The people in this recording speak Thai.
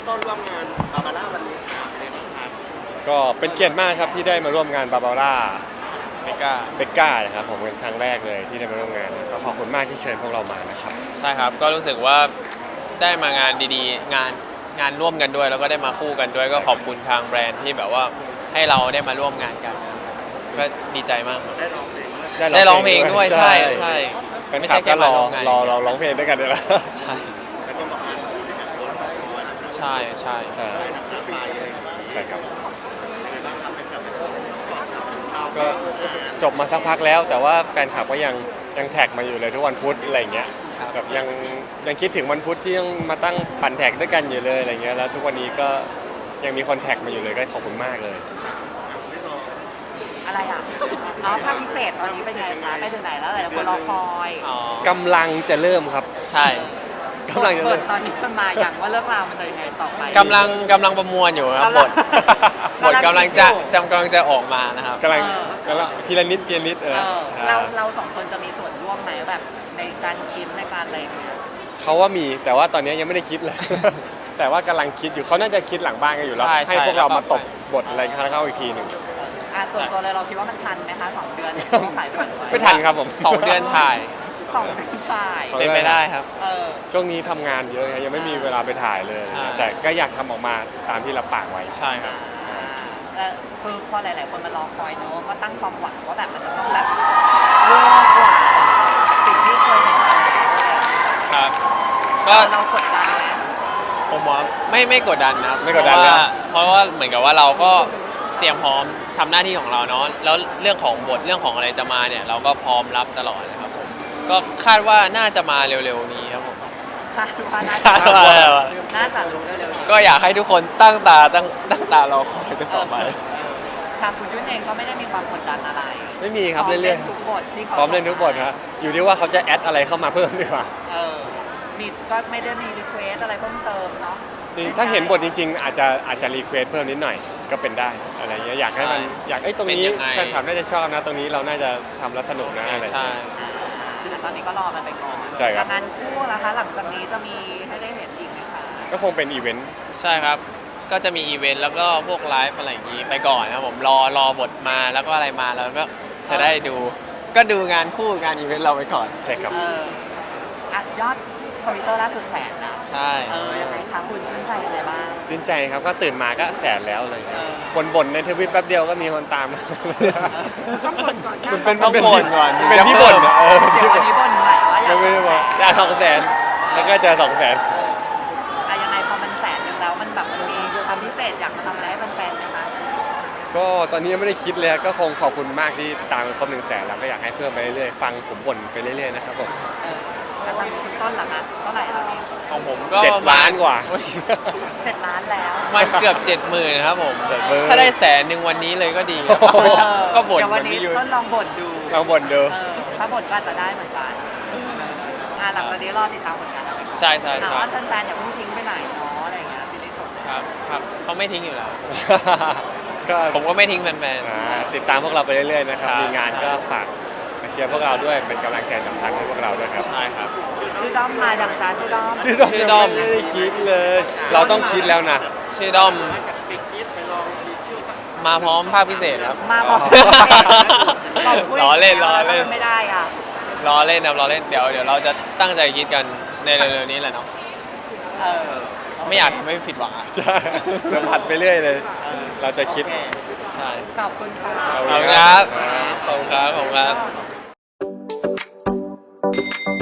ต้นร่วมงานบาบาร่าวันนี้เป็นไงบ้างครับก็เป็นเกียรติมากครับที่ได้มาร่วมงานบาบาร่าเมกาเบกก้านะครับผมเป็นครั้งแรกเลยที่ได้มาร่วมงานก็ขอบคุณมากที่เชิญพวกเรามานะครับใช่ครับก็รู้สึกว่าได้มางานดีๆงานร่วมกันด้วยแล้วก็ได้มาคู่กันด้วยก็ขอบคุณทางแบรนด์ที่แบบว่าให้เราได้มาร่วมงานกันนะก็ดีใจมากได้ร้องเพลงด้วยได้ร้องเพลงด้วยใช่ใช่ไม่ใช่แค่มาร่วมงานรอเราร้องเพลงด้วยกันด้วยนะใช่แล้วก็บอกงานคู่ด้วยกันด้วยใช่ใช่ใช่น้ำตาไปอะไรบ้างใช่ครับยังไงบ้างครับให้กับเราก็จบมาสักพักแล้วแต่ว่าแฟนคลับก็ยังแท็กมาอยู่เลยทุกวันพุธอะไรเงี้ยแบบยังคิดถึงวันพุธที่ต้องมาตั้งปั่นแท็กด้วยกันอยู่เลยอะไรเงี้ยแล้วทุกวันนี้ก็ยังมีคอนแทคมาอยู่เลยก็ขอบคุณมากเลยอะไรอ่ะอ๋อภาคพิเศษตอนนี้เป็นไงคะไปถึงไหนแล้วหลายคนรอคอยกำลังจะเริ่มครับใช่กำลังจะเริ่มตอนนี้มันมาอย่างว่าเรื่องราวมันจะยังไงต่อไปกำลังประมวลอยู่ครับบทกำลังจะออกมานะครับกำลังทีละนิดเราสองคนจะมีส่วนร่วมไหมแบบในการคิดในการอะไรเนี่ยเขาว่ามีแต่ว่าตอนนี้ยังไม่ได้คิดเลย แต่ว่ากำลังคิดอยู่เขาน่าจะคิดหลังบ้านกันอยู่แล้วให้พวกเรามาตบบทอะไรเข้าอีกทีหนึ่งส่วนตัวเลยเราคิดว่ามันทันไหมคะ2 เดือนถ่ายไม่ทันครับผม 2 เดือนถ่าย 2 เดือนถ่ายเป็นไปได้ครับช่วงนี้ทำงานเยอะยังไม่มีเวลาไปถ่ายเลยแต่ก็อยากทำออกมาตามที่เราปากไว้ใช่ครับคือพอหลายๆคนมารอคอยเนอะก็ตั้งความหวังว่าแบบมันจะต้องแบบเวอร์กว่าสิ่งที่เคยเห็นครับก็เรากดดันไหมผมว่าไม่กดดันนะครับไม่กดดันนะเพราะว่าเหมือนกับว่าเราก็เตรียมพร้อมทำหน้าที่ของเราเนาะแล้วเรื่องของบทเรื่องของอะไรจะมาเนี่ยเราก็พร้อมรับตลอดนะครับผมก็คาดว่าน่าจะมาเร็วๆนี้ครับผมคาดว่าน่าจะรู้เร็วๆก็อยากให้ทุกคนตั้งตารอคอยกันต่อไปทางคุณยุ่นเองก็ไม่ได้มีความกดดันอะไรไม่มีครับเรื่อยๆพร้อมเล่นทุกบทครับอยู่ที่ว่าเขาจะแอดอะไรเข้ามาเพิ่มดีกว่ามีก็ไม่ได้มีรีเควสอะไรเพิ่มเติมเนาะจริงถ้าเห็นบทจริงๆอาจจะรีเควสเพิ่มนิดหน่อยก็เป็นได้อะไรเงี้ยอยากให้มันตรงนี้แฟนคลับน่าจะชอบนะตรงนี้เราน่าจะทำแล้วสนุกนะอะไรใช่ตอนนี้ก็รอมันไปก่อนใช่ครับงานคู่นะคะหลังจากนี้จะมีให้ได้เห็นอีกไหมคะก็คงเป็นอีเวนต์ใช่ครับก็จะมีอีเวนต์แล้วก็พวกไลฟ์อะไรอย่างนี้ไปก่อนนะครับผมรอบทมาแล้วก็อะไรมาแล้วก็จะได้ดูงานคู่งานอีเวนต์เราไปก่อนใช่ครับยอดทวิตเตอร์ล่าสุด100,000นะใช่ยังไงคะคุณชื่นใจอะไรบ้างชื่นใจครับก็ตื่นมาก็100,000แล้วอะไรบ่นในทวิตแป๊บเดียวก็มีคนตามต้องบ่นก่อนมันเป็นบ่นก่อนเป็นที่บ่นเดี๋ยววันนี้บ่นใหม่ว่าอยาก200,000แล้วก็เจอ200,000 ยังไงพอมัน100,000แล้วมันแบบมันมีความพิเศษอยากมาทำอะไรให้แฟนๆไหมคะก็ตอนนี้ยังไม่ได้คิดเลยก็คงขอบคุณมากที่ตามครบ100,000แล้วก็อยากให้เพิ่มไปเรื่อยๆฟังผมบ่นไปเรื่อยๆนะครับผมแล้วตอนคุณต้นล่ะคะเท่าไหร่ตอนนี้ของผมก็ 7 ล้านกว่า 7 ล้านแล้วมันเกือบ70,000นะครับผมถ้าได้100,000วันนี้เลยก็ดีก็บ่นวันนี้ต้นลองบ่นดูถ้าบ่นก็จะได้เหมือนกันหลังจากนี้รอติดตามผลงานใช่ใช่ใช่ว่าแฟนๆอย่าเพิ่งทิ้งไปไหนเนาะอะไรอย่างเงี้ยซีรีส์จบครับเขาไม่ทิ้งอยู่แล้วผมก็ไม่ทิ้งแฟนๆติดตามพวกเราไปเรื่อยๆนะครับมีงานก็ฝากมาเชียร์พวกเราด้วยเป็นกำลังใจสำคัญให้พวกเราด้วยครับใช่ครับชื่อด้อมมาดังจ้าชื่อด้อมไม่ได้คิดเลยเราต้องคิดแล้วนะชื่อด้อมมาพร้อมภาคพิเศษครับมาพร้อมล้อเล่นไม่ได้อ่ะล้อเล่นครับล้อเล่นเดี๋ยวเราจะตั้งใจคิดกันในเร็วๆนี้แหละเนาะไม่อยากไม่ผิดหวังใช่จะผัดไปเรื่อยเลยเราจะคิดใช่ขอบคุณค่ะขอบคุณครับ